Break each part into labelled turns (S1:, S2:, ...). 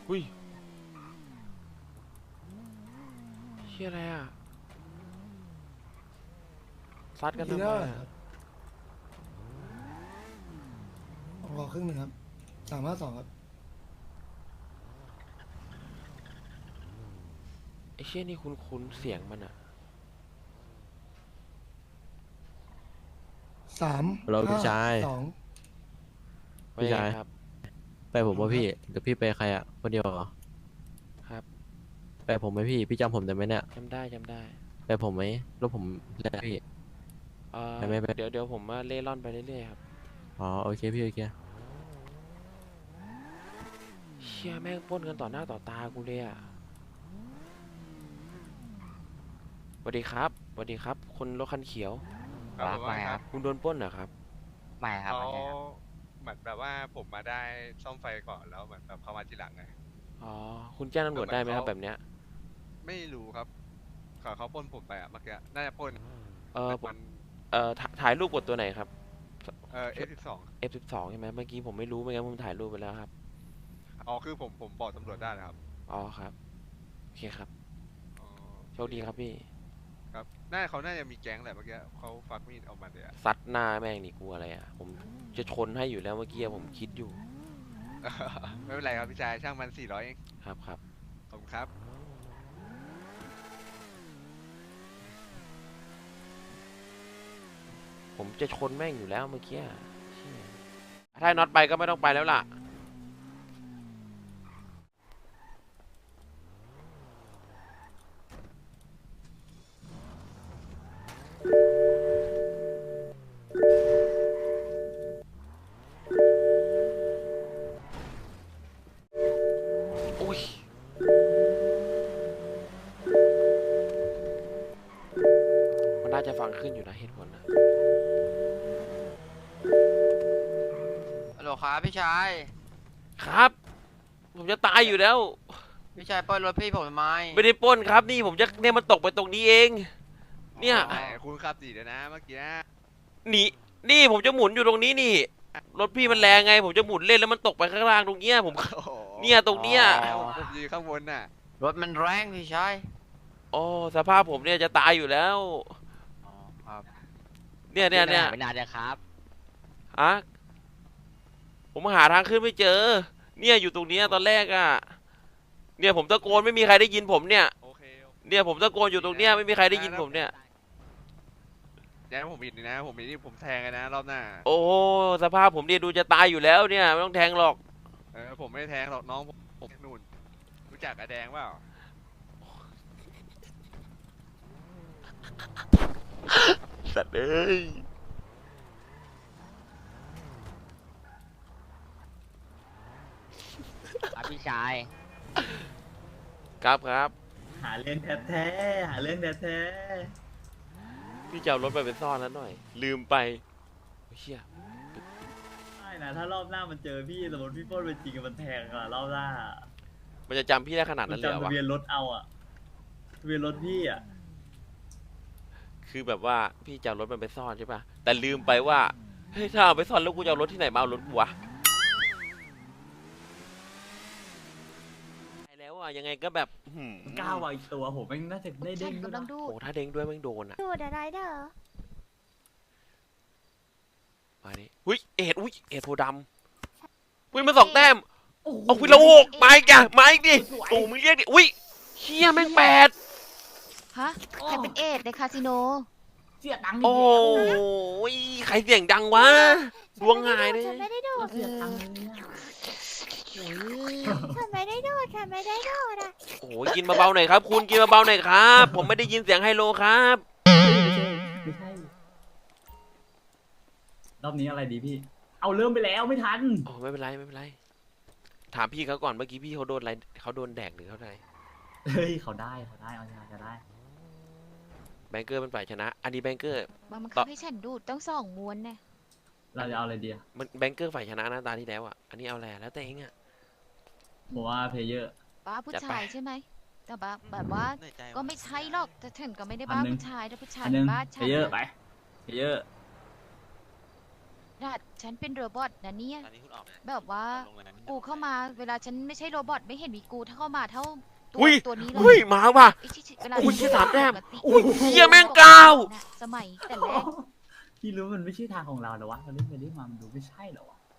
S1: อุ้ยเฮียอะไรอ่ะซัดกันทำไมอ่ะ
S2: ขอครึ่งหนึ่งครับ352ครับ
S1: ไอ้เชี่ยนี่คุ้นเสียงมันอ่ะ
S2: 3
S3: เราพี่ชาย
S2: 2
S3: พี่ชาย
S1: ครับ
S3: ไปผมว่าพี่เดี๋ยวพี่ไปใครอ่ะคนเดียวเหรอ
S1: ครับ
S3: ไปผมไหมพี่จำผมได้ไหมเนี่ย
S1: จำได้
S3: ไปผมไหมรถผมแล้วพี่ไปไหมไป
S1: เดี๋ยวผมมาเล่ร่อนไปเรื่อยๆครับ
S3: อ๋อโอเคพี่โอเค
S1: เชี่ยแม่งปล้นกันต่อหน้าต่อตากูเลยอ่ะสวัสดีครับคนรถคันเขียว
S4: ครับไม่ครับ
S1: คุณโดนปล้นเหรอครับ
S4: ไม่ครับ
S5: เขา
S4: ไม่ใช่ครับ
S5: เหมือนแบบว่าผมมาได้ซ่อมไฟก่อนแล้วเหมือนแบบเขามาทีหลังไง
S1: อ๋อคุณแจ้งตำรวจได้ไหมครับแบบเนี้ย
S5: ไม่รู้ครับเขาปล้นผมไปอะเมื่อกี้น่าจะปล้น
S1: เออ
S5: มัน
S1: ถ่ายรูปกดตัวไหนครับ
S5: F12
S1: F12 ใช่ไหมเมื่อกี้ผมไม่รู้ไม่งั้นผมถ่ายรูปไปแล้วครับ
S5: อ๋อคือผมบอกตำรวจได้นะครับ
S1: อ๋อครับโอเคครับ
S5: อ๋อ
S1: โชคดีครับพี่
S5: ครับเขาน่าจะมีแก๊งแหละเมื่อกี้เขาฟักมีดออกมาเลยอะ
S1: ซัดหน้าแม่งนี่กลัวอะไรอ่ะผมจะชนให้อยู่แล้วเมื่อกี้ผมคิดอยู่
S5: ไม่เป็นไรครับพี่ชายช่างมัน400เอง
S1: ครับ
S5: ขอบคุณครับ
S1: ผมจะชนแม่งอยู่แล้วเมื่อกี้เชี่ยถ้าน็อตไปก็ไม่ต้องไปแล้วล่ะอุ้ยมันน่าจะฟังขึ้นอยู่นะเหตุผลนะ
S4: ฮัลโหลครับพี่ชาย
S1: ครับผมจะตายอยู่แล้ว
S4: พี่ชายปล้นรถพี่ผมทำไม
S1: ไม่ได้ปล้นครับนี่ผมจะเนี่ยมันตกไปตรงนี้เอง เนี่ย
S5: แหมคุณขับดีเดี๋ยวนะเมื่อกี้นะ
S1: หนีนี่ผมจะหมุนอยู่ตรงนี้นี่รถพี่มันแรงไง ผมจะหมุนเล่นแล้วมันตกไปข้างล่างตรงเนี้ยผม
S5: โอ้โห
S1: เนี่ยตรงเนี้ย
S5: ผมยืนข้างบนน่ะ
S4: รถมันแรงพี่ชาย
S1: โอ้สภาพผมเนี่ยจะตายอยู่แล้ว
S4: อ๋อครับ
S1: เนี่ย
S4: ไม่นานเลยครับ
S1: อะผมหาทางขึ้นไม่เจอ เนี่ยอยู่ตรงเนี้ยตอนแรกอะเนี่ยผมตะโกนไม่มีใครได้ยินผมเนี่ย
S5: โอเค
S1: เนี่ยผมตะโกนอยู่ตรงเนี้ยไม่มีใครได้ยินผมเนี่ย
S5: เดี๋ยวผมผิดนะผมผิดที่ผมแทงเลยนะรอบหน้า
S1: โอ้สภาพผมเนี่ยดูจะตายอยู่แล้วเนี่ยไม่ต้องแทงหรอก
S5: ผมไม่ได้แทงหรอกน้องผมนู่นรู้จักอาแดงเปล่า
S1: สัตว์เอ้ย
S4: ครับพี่ชาย
S1: ครับ
S6: หาเรื่องแท้ๆหาเรื่องแท้
S1: พี่จะเอารถไปซ่อนแล้วหน่อย ลืมไปเฮีย
S6: ๆไม่นะถ้ารอบหน้ามันเจอพี่สมมติพี่ปล้นเป็นจริงมันแทงอะรอบหน้า
S1: มันจะจำพี่ได้ขนาด
S6: มั
S1: นั้นเลยเหรอ
S6: จำทะ
S1: วะ
S6: เบียนรถเอาอะทะเบียนรถพี่อะ
S1: คือแบบว่าพี่จะเอารถมันไปซ่อนใช่ป่ะแต่ลืมไปว่าเฮ้ยถ้าเอาไปซ่อนแล้วกูจะเอารถที่ไหนมาเอารถกูวะไปแล้วอ่ะยังไงก็แบบ
S6: ก้าววางอีกตัวผมแม่งน่าจะได้เด้งด้วย
S7: กำลั
S6: นะ
S7: งดู
S1: โอ้ถ้าเด้งด้วยแม่งโดนอ่ะ
S7: ดูดอะไรเด้อ
S1: มาดิอุ้ยเอ็ดโพดำอุ้ยมันสองแต้มเอาคุยละหกมาอีกอ่ะมาอีกดิโอ้มึงเรียกดิอุ้ยเฮียแม่ง8
S7: ฮะใครเป็นเอดในคาสิโน
S6: เสียตังค์
S1: โอ้ยใครเสียงดังวะดวงหายเลย
S7: ฉันไม่ได้ดูด
S6: เสียตังค์เลยอะ
S7: ฉันไม่ได้ดูดฉันไม่ได้ดูดอ่ะ
S1: โอ้ยกินเบาๆหน่อยครับ คุณกินเบาๆหน่อยครับ ผมไม่ได้ยินเสียงไฮโลครับ
S6: ไม่ใช่รอบนี้อะไรดีพี่ เอาเริ่มไปแล้วไม่ทัน
S1: โอ้ไม่เป็นไรถามพี่เขาก่อนเมื่อกี้พี่เขาโดนอะไรเขาโดนแดกหรือเขาอะไร
S6: เฮ้ยเขาได้เอาจะได้
S1: แบงเกอร์เป็นฝ่ายชนะ อันนี้แบงเกอร์
S7: มันคับให้ฉันดูดต้อง2 ม้วนเนี่ย
S6: เราจะเอาอะไรดีอะ
S1: มันแบงเกอร์ฝ่ายชนะหน้าตาที่แล้วอ่ะอันนี้เอาแหละแล้วแต่เองอ่ะ
S6: ผมว่าเพลเยอร์
S7: บ้าผู้
S1: จัดไป
S7: ชายใช่ไหมแต่แบบว่าก็ไม่ใช่หรอกแต่ฉันก็ไม่ได้บ้า
S6: อันหนึ่ง
S7: ผู้ชายแต่ผู้ชาย
S6: อันหนึง
S7: บ้า
S6: เพ
S7: ฉัน
S6: ลเยอร์ไปเพลเยอร์
S7: น่ะฉันเป็นโรบอทนะเนี่ย
S4: ตอนนี้คุณออกนะ
S7: แบบว่า
S4: ลงเลยนะ
S7: กูเข้ามาเวลาฉันไม่ใช่โรบอทไม่เห็นมีกูถ้าเข้ามาเท่าตัว
S1: อุ้ย
S7: ตัวนี้เล
S1: อุ้ย
S7: ย
S1: มาว่ะ
S7: ไอ้ชิเวลา
S1: อุ้ย
S7: ฉัน
S1: สามแต้ม
S7: ปกติ
S1: อุ้ยเหี้ยแม่งกาว
S7: น่ะสมัยแต่แรก
S6: พี่รู้มันไม่ใช่ทางของเราเหรอวะเราเล่นไปเล่นมามันดูไม่ใช่เหรอวะ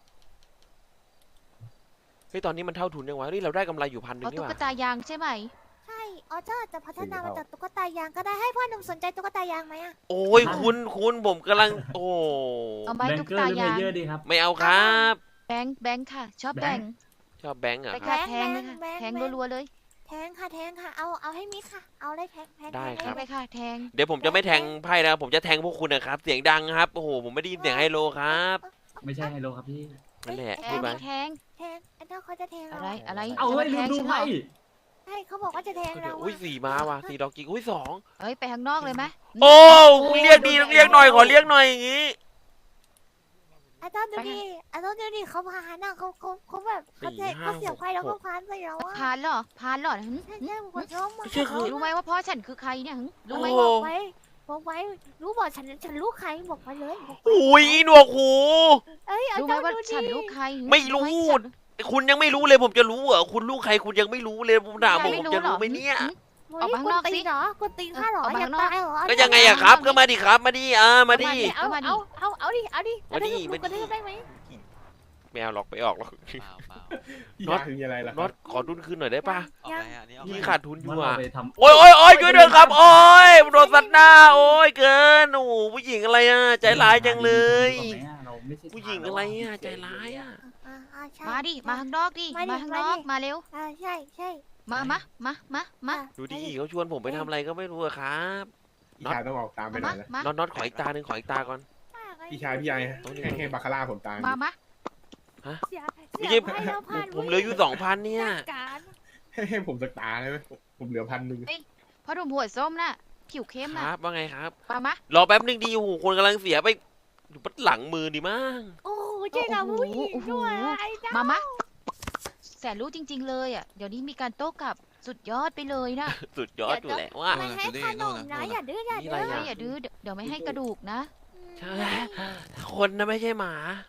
S1: เฮ้ยตอนนี้มันเท่าทุนยังวะนี่เราได้กำไรอยู่1,000
S7: เอาตุ๊
S1: นี่ห
S7: ก
S1: ว่า
S7: ตายางใช่ไหม
S8: ใช่ออเจอร์จะพัฒนามาจากตุ๊กตายางก็ได้ให้พ่อหนุ่มสนใจตุ๊กตายางไหมอะ
S1: โอ้ยคุณผมกำลังโอ้
S7: เอาไหม
S6: แบง
S7: ตุ๊ก
S6: เกอร์
S7: ตา
S6: หรือเม
S7: ยาง
S6: เยอร์ดีครับ
S1: ไม่เอาครับ
S7: แบงค์ค่ะ ชอบ
S6: แบ
S7: แบ
S6: ง
S7: ง
S6: ค์
S7: ค์
S1: ชอบแบงค์เหรอ
S7: ไป
S1: ครั
S7: ค่ะ
S1: บ
S7: แทงเลยค่ะแทงรัวๆเลย
S8: แทงค่ะแทงค่ะเอาให้มิดค่ะ เอาเลยแทง
S1: ได้
S8: แทง
S1: ครับ
S7: ไปค่ะแทง
S1: เดี๋ยวผมจะไม่แทงไพ่นะผมจะแทงพวกคุณนะครับ เสียงดังครับโอ้โหผมไม่ได้ยินเสียงไฮโลครับ
S6: ไม่ใช่ไฮโลครับพี่
S1: นั่นแหละ
S7: แท
S1: พูด
S7: ง
S1: ไป
S7: แทง
S8: แทงไอ้เจ้าเขาจะแทง
S7: อะ
S8: เรา
S7: ไรอะไร
S6: เอาเฮ้ย
S7: จะ
S6: ลื
S7: มาม แทง
S6: ดู
S7: ฉันเหร
S6: ไพ่
S7: อ
S8: ใช่เขาบอกว่าจะแทงเรา
S1: อุ้ย4มาว่ะ4ดอกจิกอุ้ย2
S7: เอ้ยไปข้างนอกเลยไหม
S1: โอ้คุณเรียกดีต้องเรียกหน่อยขอเรียกหน่อยอย่างงี้
S8: ไอ้เจ้าดูดิไอ้เจ้าดูดิเขาพานอ่ะเขาแบบเขาเสียบไฟแล้วก็พานใส่เราอ่ะ
S7: พานเหรอพานเหรอหึ
S8: ใช่ใช่หัวร้มมา
S1: ไม่ใช่คือ
S7: รู้ไหมว่าพ่อฉันคือใครเนี่ยหึรู้ไหม
S1: โอ้
S8: บอกไว้รู้บอกฉันรู้ใครบอกไปเลย
S1: อุ้ยหนวกหู
S8: เอ้ย
S7: รู้ไหม
S8: เจ้า
S7: ว่า
S8: ดู
S7: ฉัน
S8: ดิ
S7: รู้ใครหึ
S1: ไม่รู้
S7: ให้ฉัน
S1: คุณยังไม่รู้เลยผมจะรู้เหรอคุณลูกใครคุณยังไม่รู้เลยผมถาม
S7: ยาย
S1: ผม
S7: ไม่
S1: จะ
S7: เหร
S1: รู้
S7: อ
S1: ไหมเนี่ย
S7: หึ
S8: ออกมาข้างนอกสิเหรอกดตีนข้าเหรออยากตายเหรอ
S1: ก็ยังไงอะครับ ก็มาดิครับมาดิมาดิ
S8: เอาดิกระทืบได้ไหม
S1: ไม่เอาหรอกไปออกหรอก
S4: เปล่า
S1: น็อต
S9: คืออะไรล่ะ
S1: น็อตขอทุนคืนหน่อยได้ปะ
S4: ออกไปอันนี้ออก
S1: พี่
S4: ไป
S1: ขาดทุนอยู่
S6: มัน
S1: อ่ะ
S6: เอาไปทำ
S1: โอ้ยช่วยด้วยครับ โอ้ยโดนสัตว์หน้าโอ้ยเกินโอ้โหผู้หญิงอะไรอ่ะใจร้ายจังเลย
S6: เราไม่ใช่
S1: ผู้หญิงอะไรอ่ะใจร้ายอ่ะ
S7: มาดิมาข้างนอกดิมาข้างนอกมาเร็ว
S8: ใช่
S7: มา
S1: ดูดิเขาชวนผมไปทำอะไรก็ไม่รู้อะครับ
S9: พี่ชายต้องออกตามไปหน่อยนะ
S7: มา
S1: น็อตขออีกตาหนึ่งขออีกตาก่อน
S9: พี่ชายพี่ใหญ่ให้บาคาร่าผมตาม
S7: มา
S1: ไม่ใช่ผมเหลืออยู่2,000เนี่ย
S9: ให้ผมสักตาได้ไหมผมเหลือ1,000
S7: พ่อหนุ่มหัวส้มน่ะผิวเข้ม
S1: ค
S7: น่ะ
S1: รับว่าไงครับ
S7: มาร
S1: อแป๊บนึงดีโอ้โหคนกำลังเสียไปอยู่ปัดหลังมือดีมั้ง
S8: โอ้ใช่กับผู้หญิงด้วยไอ้เจ้า
S7: มาแสนรู้จริง ๆ เลยอ่ะเดี๋ยวนี้มีการโต้กลับสุดยอดไปเลยนะ
S1: สุดยอดอยู่แหละว่า
S8: ไม่ให้ขนมนะอย่าดื้ออย่า
S1: นี่อะไร
S8: ดื้อ
S1: อ่ะ
S7: อย่าดื้อเดี๋ยวไม่ให้กระดูกนะ
S1: ใช่คนนะไม่ใช่หมา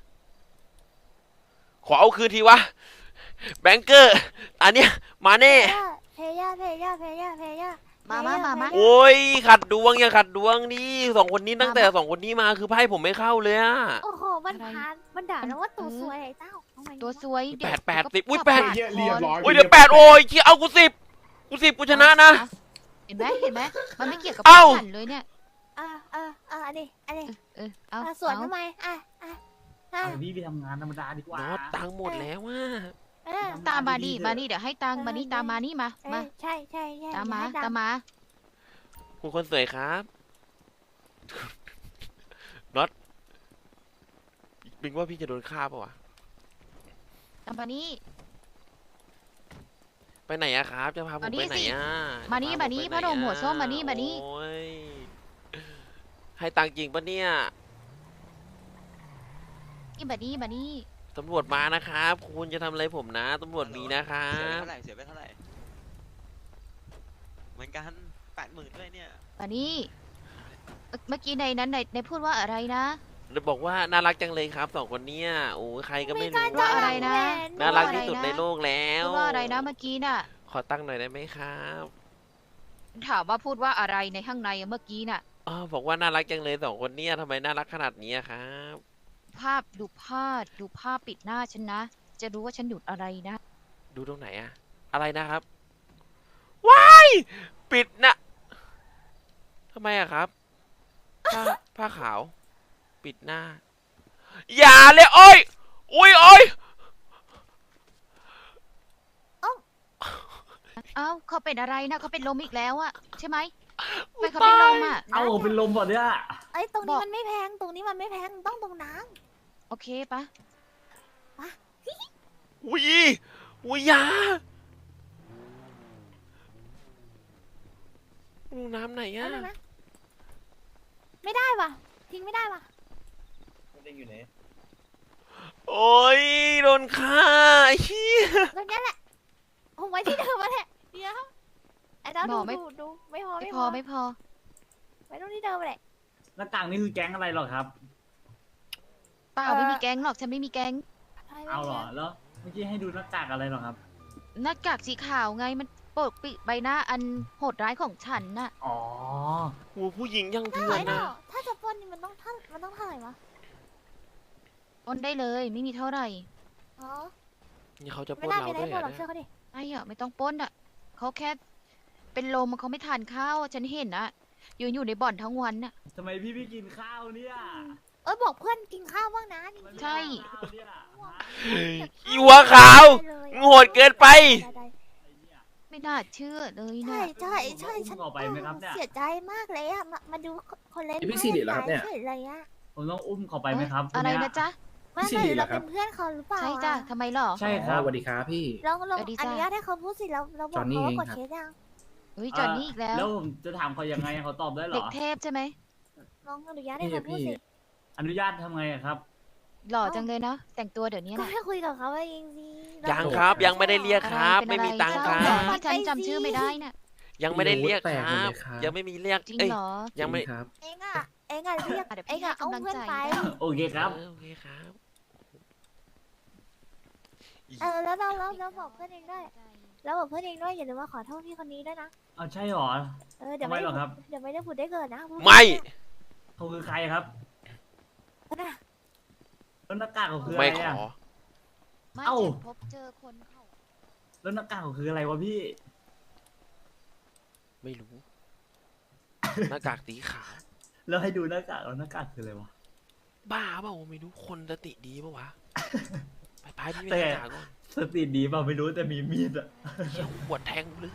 S1: ขอเอาคืนทีวะแบงเกอร์อันเนี้ยมาแน่
S8: เพย่า
S7: มา
S1: โอ้ยขัดดวงอย่าขัดดวงนี่2 คนนี้ตั้งแต่2 คนนี้มาคือไพ่ผมไม่เข้าเลยอะ
S8: โอ้โหมันพานมันด่าแล้วว่าตัวสวยไอ้เจ้า
S7: ตัวสวย
S1: แปดแปด
S7: เดี๋ยว
S1: 10อุ้ย
S7: ก็
S1: แปด
S7: ปาก
S9: เรียบร้อย
S1: โอ้ยเดี๋ยว8โอ้ยเชี่ยเอากู10กูชนะนะ
S7: เห็นไหมมันไม่เกี่ยวกับ
S1: เอ้า
S7: ฉันเลยเนี่ย
S8: อันนี้
S7: เอา
S8: สวนทำไม
S6: พี่ไปทำงานธรรมดาดีกว่า
S1: น็อตตังค์หมดแล้วว่า
S7: ตามมาดิเดี๋ยวให้ตังค์มานี่ตามมานี่มา
S8: ใช่
S7: ตามมา
S1: คุณคนสวยครับ น็อตบิงว่าพี่จะโดนฆ่าปะวะ
S7: ตามมานี่
S1: ไปไหนอะครับ จะพาผม
S7: มานี่
S1: ไปไหน
S7: สิ
S1: อะ
S7: มานี่
S1: จะ
S7: มานี่
S1: ผไป
S7: พ่อหนุ่ม
S1: ไะ
S7: หัวส้มมานี่
S1: โอ้ยให้ตังค์จริงปะเนี่ย
S7: นี่มานี่
S1: ตำรวจมานะครับ คุณจะทำอะไรผมนะตำรวจมีนะครั
S4: เสียไป
S1: บ
S4: เท่าไหร่เหมือนกัน80,000ด้วยเนี่ย
S7: มานี่เมื่อกี้ในนั้นในพูดว่าอะไรนะ
S1: บอกว่าน่ารักจังเลยครับ2 คนเนี้ยโอ้ยใครก็ไม่รู้
S7: ว่าอะไรนะ
S1: น่ารักที่สุดในโลกแล้ว
S7: พูดว่าอะไรนะเมื่อกี้น่ะ
S1: ขอตั้งหน่อยได้ไหมครับ
S7: ถามว่าพูดว่าอะไรในข้างในเมื่อกี้น่ะ
S1: อ๋อบอกว่าน่ารักจังเลย2 คนเนี้ยทำไมน่ารักขนาดนี้อะครับ
S7: ดูภาพปิดหน้าฉันนะ จะรู้ว่าฉันหยุดอะไรนะ
S1: ดูตรงไหนอะอะไรนะครับว้ายปิดนะทำไมอะครับผ้าขาว ปิดหน้า อย่าเลยโอ้ยอุ้ยโอ้ย
S7: เอ้าเขาเป็นอะไรนะเขาเป็นลมอีกแล้วอะใช่ไหมไม่เขาเป็นลมอะ
S6: เอาเป็นลมก่อนเนี่ย
S8: ไอ้ตรงนี้มันไม่แพงตรงนี้มันไม่แพงต้องตรงน้
S7: โอเคปะ
S1: อุ้ยอุ้ยอยาลงน้ำไหน
S8: ำ
S1: อะ
S8: นะไม่ได้ว่ะทิ้งไม่ได้ว่ะ
S1: โอ้ยโดนฆ่าไอ้เหี้ย
S8: ตรงนี้แหละผมไว้ที่เดิมมาแหละเดี๋ยวไอ้เจ้าดูไม่พอ
S7: ไม่พอ
S8: ไว้ตรงที่เดิมแหละ
S6: หน้าต่างนี่คือแก๊งอะไรหรอครับ
S7: เปล่าไม่มีแก๊งหรอกฉันไม่มีแก๊ง
S6: เอาเหรอแล้วเมื่อกี้ให้ดูหน้ากากอะไรเหรอครับ
S7: หน้ากากสีขาวไงมันปกปิดใบหน้าอันโหดร้ายของฉันน่ะ
S6: อ๋อ
S1: โอ้ผู้หญิงยังเถื่อ
S8: ไม่
S1: น
S8: เนา
S1: นะ
S8: ถ้าจะปล้นนี่มันต้องเท่าไหร่วะ
S7: ปล้นได้เลยไม่มีเท่าไหร่
S8: อ๋อ
S1: นี่เขาจะป
S8: ไม่
S1: ล้น
S8: น่า
S1: เรา
S8: มีอะไร
S1: ด้วย
S8: ปล้นหร
S1: อ่ะ
S8: อกเชื่อเขาดิ
S7: ไอ้อะไม่ต้องปล้นอะเขาแค่เป็นลมเขาไม่ทานข้าวฉันเห็นนะยืนอยู่ในบ่อนทั้งวันน่ะ
S6: ทำไมพี่ไม่กินข้าวเนี่ย
S8: บอกเพื่อนกินข้าวบ้างนะจริง
S7: ใช่
S6: ข้าวเนี่ย
S1: อีหัวขาวโหดเกินไป
S7: ไม่น่าเชื่อเลย
S8: ใช่
S7: นะ
S8: ใช่ใช่ฉัน
S6: ผมต้องอุ้มออกไปไหมครับเนี่ย
S8: เสียใจมากเลยอะมาดูคนเล่น
S9: พี่สิริเหรอครับเนี่ย
S8: เฉยเลยอะ
S6: ผมต้องอุ้มเขาไปไหมครับ
S7: อะไร
S6: คเย
S7: นะจ๊ะ
S8: ไม่
S9: พี่สิริเหร
S8: เรา
S9: อครั
S8: เป็
S9: บ
S8: นเพื่อนเขาหรือเปล่า
S7: ใช่จ้ะทำไมหรอ
S6: ใช่ครับ
S9: สวัสดีครับพี่
S8: ลอง
S7: สวัสดี
S8: อ
S7: จ้ะ
S8: นุญาตให้เขาพูดสิเราบ
S9: จ
S8: อ
S9: อก นนี่
S8: เขา
S9: เอง
S8: ว่ากด
S9: ครับ
S8: เคสยัง
S7: เฮ้ยจอนนี่อีกแล้ว
S6: แล้วผมจะถามเขายังไงเขาตอบได้เหร
S7: เด็ก
S6: อ
S7: เทพใช่ไหม
S8: ลองอนุญาตให้เขาพูดสิ
S6: อนุญาตทำไงอะครับ
S7: หล่อจังเลยนะแต่งตัวเดี๋ยวนี้
S8: ก็
S7: นะ
S8: ให้คุยกับเขาเองสิ
S1: ยังครับยังไม่ได้เรียกครับ
S7: อะ
S1: ไม่
S7: เป็น
S1: มีตังค์ค
S7: เศ
S1: รั
S7: ร้า
S1: บ
S7: เหอที่ฉันจำชื่อไม่ได้น่ะ
S1: ยังไม่ได้เรียก
S9: แปล
S1: ค
S9: กหมด
S1: รับ
S9: เลยครับ
S1: ยังไม่มีเรียก
S7: จริง
S1: เอ้ย
S7: เหรอ
S1: ยังไม่
S9: จริครับ
S8: เองอะเรียก
S7: เดี๋ยว
S8: เอ
S7: พี่
S8: งอะเอา
S7: ให้กำลัง
S8: เพื่อน
S7: ใจ
S8: ไป
S7: ได้
S6: โอเคครับ
S1: โอเคครับ
S8: แล้วเราบอกเพื่อนเองด้วยแล้วบอกเพื่อนเองด้วยอย่าลืมว่าขอโทษพี่คนนี้ด้วยนะ
S6: เอาใช่เหรอ
S8: เดี๋ยว
S6: ทำไมเหรอครับ
S8: เดี๋ยวไม่ได้ผุดได้เกิดนะ
S1: ไม่
S6: เขาคือใครครับ
S8: นะ
S6: แล้วหน้ากากเขาคืออะ
S1: ไม่
S6: ไร
S1: ขอ
S6: อะ
S7: ไม่
S6: เอ้า
S7: ฉันพบเจอคนเขา
S6: แล้วหน้ากากเขาคืออะไรวะพี่
S1: ไม่รู้ หน้ากากสีขาว
S6: แล้วให้ดูหน้ากากแล้วหน้ากากคืออะไรวะ
S1: บ้าเปล่าไม่รู้คนสติดีปะวะ ไปพี่
S6: แต่
S1: ไม่หน้ากากก่อน
S6: สติดีเปล่าไม่รู้แต่มีมีดอะ
S1: เหี้ยหัวแทงเลย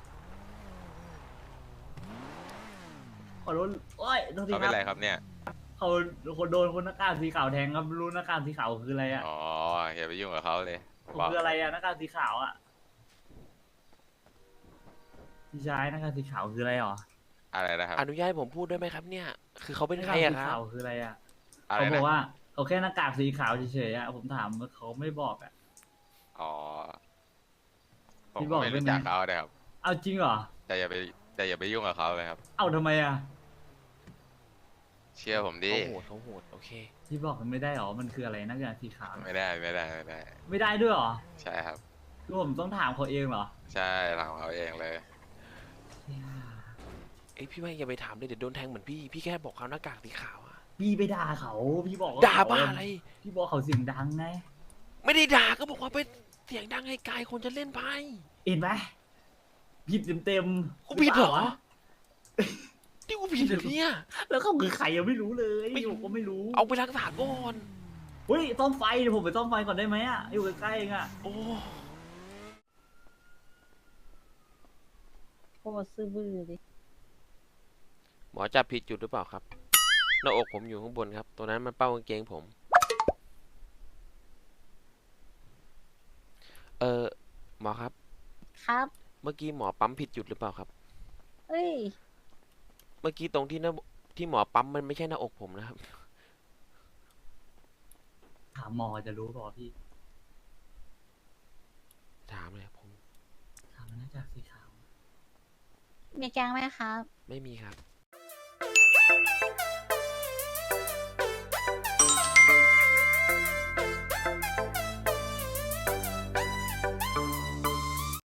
S6: ขอโทษโอ้ยโทษที
S5: เขา
S6: ค
S5: เป็นไร
S6: รับ
S5: ครับเนี่ย
S6: เขาคนโดนคนหน้ากากสีขาวแทงครับรู้หน้ากากสีขาวคืออะไรอะ
S5: อ๋ออย่าไปยุ่งกับเขาเลย
S6: ผม
S5: บอก
S6: คืออะไรอะหน้ากากสีขาวอะพี่ชายหน้ากากสีขาวคืออะไรหรอ
S5: อะไรนะครับ
S1: อนุญาตให้ผมพูดได้ไหมครับเนี่ย คือเขาเป็น
S6: หน้า
S1: ใคร
S6: กาก
S1: อะ
S6: สี
S1: ครั
S6: ขา
S1: บ
S6: วคืออะไรอะ
S5: อะไร
S6: เขาบ
S5: นะ
S6: อกว่าเขาแค่หน้ากากสีขาวเฉยๆอะผมถามเขาไม่บอกอะ
S5: อ๋อผม
S6: พี่บ
S5: ก็
S6: อก
S5: ไม่
S6: ได้
S5: รู้
S6: ไหม
S5: จักเขานะครับ
S6: เอาจริงเหรอ
S5: แต่อย่าไปยุ่งกับเขาเลยครับ
S6: เอาทำไมอะ
S5: เชื่อผมดิ
S1: เขาโหดโอเค
S6: ที่บอกมันไม่ได้หรอมันคืออะไรหน้ากากสีขาว
S5: ไม่ได้
S6: ไม่ได้ด้วยหรอ
S5: ใช่ครับ
S6: คือผมต้องถามเขาเองเหรอ
S5: ใช่ถามเขาเองเลย
S1: เอ้ยพี่ไม่อย่าไปถามเลยเดี๋ยวโดนแทงเหมือนพี่ พี่แค่บอกเขาหน้ากากสีขาวอะ
S6: พี่ไปด่าเขาพี่บอกว่
S1: ด่าบ้าอะไร
S6: พี่บอกเขาเสียงดังไง
S1: ไม่ได้ด่าก็บอกว่าเป็นเสียงดังให้กายคนจะเล่นไพ่
S6: เห็นไหมผิดเต็ม
S1: กูผิดเหรอ
S6: ปล่าวะ
S1: ที่กูผิดเหรอเนี่ย
S6: แล้วเขาคือใครยังไม่รู้เลยผมก็ไม่รู้
S1: เอาไปรักษาก่อน
S6: เฮ้ยซ่อมไฟเดี๋ยวผมไปซ่อมไฟก่อนได้ไหมอะอยู่ใกล้ๆเองอะ
S1: โอ้
S10: โคตรซื่อบื้อเลย
S1: หมอจับผิดจุดหรือเปล่าครับ หน้าอกผมอยู่ข้างบนครับ ตัวนั้นมันเป้ากางเกงผม หมอครับ
S10: ครับ
S1: เมื่อกี้หมอปั๊มผิดจุดหรือเปล่าครับ
S10: เอ้ย
S1: เมื่อกี้ตรงที่ที่หมอปั๊มมันไม่ใช่หน้าอกผมนะครับ
S6: ถามหมอจะรู้เปล่าพี่
S1: ถามเลยผม
S6: ถามมันน่าจะสีขาว
S10: มีแกงไหมครับ
S1: ไม่มีครับ